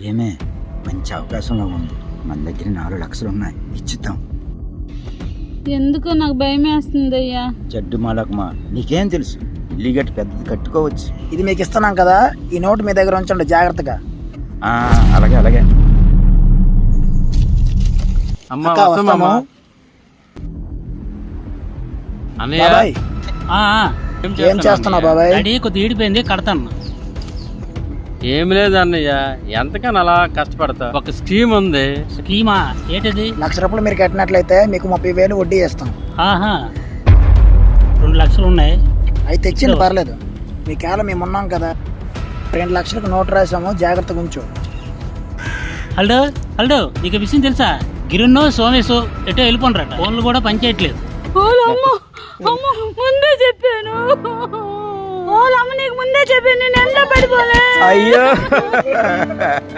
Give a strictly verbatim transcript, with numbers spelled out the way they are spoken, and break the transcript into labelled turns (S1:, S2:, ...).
S1: ఏమే మంచి అవకాశంలో ఉంది. మన దగ్గర నాలుగు లక్షలు ఉన్నాయి, ఇచ్చిద్దాం.
S2: ఎందుకో నాకు భయం వేస్తుంది అయ్యా.
S1: జడ్డు మాలకమా, నీకేం తెలుసు? ఇల్లు గట్టి పెద్దది కట్టుకోవచ్చు.
S3: ఇది మీకు ఇస్తున్నాం కదా, ఈ నోటు మీ దగ్గర ఉంచండి జాగ్రత్తగా.
S1: ఆ, అలాగే అలాగే.
S4: అమ్మా
S3: అక్క,
S4: వస్తామమ్మా.
S3: వస్తాము.
S4: అన్నయ్య
S3: బాబాయ్
S5: ఆ, ఆ,
S3: ఏం చేస్తున్నావు బాబాయ్?
S5: డాడీ కొద్దిగా ఈడిపోయింది, కడతాను.
S4: ఏం లేదు అన్నయ్య, ఎంతకని అలా కష్టపడతా. ఒక స్కీమ్ ఉంది.
S5: స్కీమా ఏంటిది?
S3: లక్ష రూపాయలు మీరు కట్టినట్లయితే మీకు ముప్పై వేలు వడ్డీ ఇస్తాం.
S5: ఆహా, రెండు లక్షలు ఉన్నాయి.
S3: అయితే తెచ్చింది పర్లేదు, మీ కేవలం మేము ఉన్నాం కదా. రెండు లక్షలకు నోటు రాసాము, జాగ్రత్తగా ఉంచు.
S5: హల్డో హల్డో నీకు విషయం తెలుసా? గిరున్నో సోమేశో ఎటో వెళ్ళిపోండ్రట. ఫోన్లు కూడా పనిచేయట్లేదు.
S2: ముందే చెప్పాను. ఓ అమ్మ, నీకు ముందే చెప్పాను, నేను ఎండ పడిపోలే.
S1: అయ్యో